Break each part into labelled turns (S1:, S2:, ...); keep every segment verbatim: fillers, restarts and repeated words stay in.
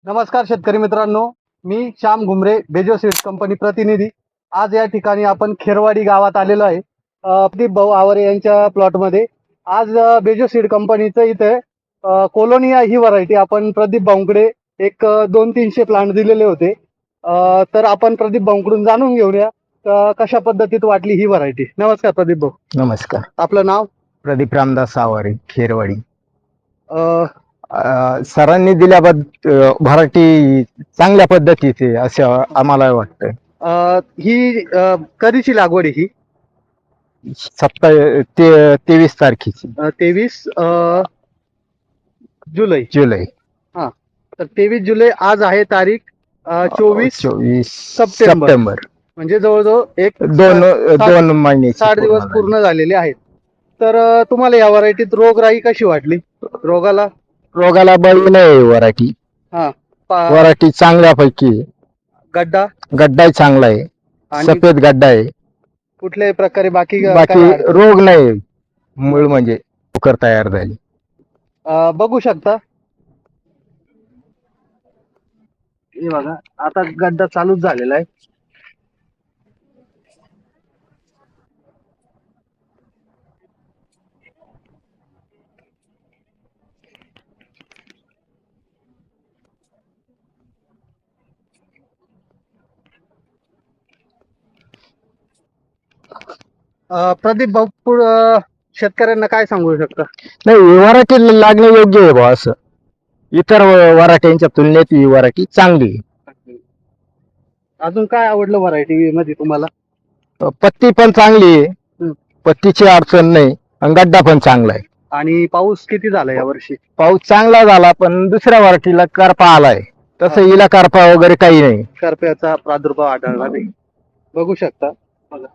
S1: नमस्कार शेतकरी मित्रांनो, मी श्याम घुमरे, बेजो सीड्स कंपनी प्रतिनिधी। आज या ठिकाणी आपण खेरवाडी गावात आलेलो आहे। अ, प्रदीप भाऊ आवरे यांच्या प्लॉटमध्ये आज अ, बेजो सीड कंपनीचं इथे अ, कोलोनिया ही व्हरायटी आपण प्रदीप भाऊंकडे एक अ, दोन तीनशे प्लांट दिलेले होते। अ, तर आपण प्रदीप भाऊंकडून जाणून घेऊया अ, कशा पद्धतीत वाटली ही व्हरायटी। नमस्कार प्रदीप भाऊ,
S2: नमस्कार.
S1: आपलं नाव?
S2: प्रदीप रामदास आवारे, खेरवाडी.
S1: अ,
S2: अ, सरांनी दिल्याबद्दल व्हरायटी चांगल्या पद्धतीचे असं आम्हाला वाटतं.
S1: अ, ही अ, कधीची लागवड आहे ही?
S2: सत्ता ते तेवीस तारखेची
S1: तेवीस जुलै
S2: जुलै
S1: हा, तर तेवीस जुलै आज आहे तारीख अ, चोवीस
S2: चोवीस
S1: सप्टेंबर.
S2: सप्टेंबर.
S1: म्हणजे जवळजवळ एक
S2: दोन
S1: साठ-
S2: दोन महिने
S1: साठ दिवस पूर्ण झालेले आहेत। तर अ, तुम्हाला या व्हरायटीत रोगराई कशी वाटली? रोगाला
S2: रोगाला बळी नाही व्हरायटी.
S1: हा पा-
S2: व्हरायटी चांगल्यापैकी आहे.
S1: गड्डा
S2: गड्डाही चांगला आहे,
S1: आणि
S2: सफेद गड्डा आहे.
S1: कुठल्याही प्रकारे बाकी काय
S2: बाकी
S1: अडचण?
S2: रोग नाही, मूळ म्हणजे लवकर तयार झाली.
S1: अ, बघू शकता हे बघा, आता गड्डा चालूच झालेला आहे। अ, प्रदीप भाऊ पुढ- अ, शेतकऱ्यांना काय सांगू शकता?
S2: नाही, व्हरायटी लागणे योग्य आहे बा. असं इतर व्हरायटीच्या तुलनेत ही व्हरायटी चांगली आहे.
S1: अजून काय आवडलं व्हरायटी मध्ये तुम्हाला?
S2: पत्ती पण चांगली आहे,
S1: हं.
S2: पत्तीची अडचण नाही आणि गड्डा पण चांगला आहे.
S1: आणि पाऊस किती झाला या वर्षी?
S2: पाऊस चांगला झाला, पण दुसऱ्या व्हरायटीला करपा आलाय, तसं
S1: हा.
S2: हिला करपा वगैरे काही नाही.
S1: करप्याचा प्रादुर्भाव आढळला नाही, बघू शकता. बघा.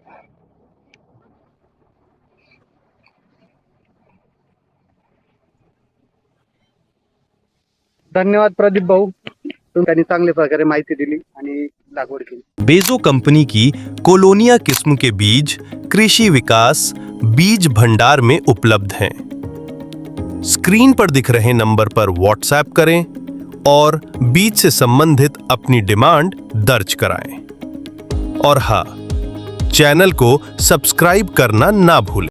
S1: धन्यवाद प्रदीप भाऊ, तुम्ही चांगल्या प्रकारे माहिती दिली आणि लागवड केली।
S3: बेजो कंपनी की कोलोनिया किस्म के बीज कृषि विकास बीज भंडार में उपलब्ध हैं। स्क्रीन पर दिख रहे नंबर पर व्हाट्सएप करें और बीज से संबंधित अपनी डिमांड दर्ज कराएं। और हाँ, चैनल को सब्सक्राइब करना ना भूलें।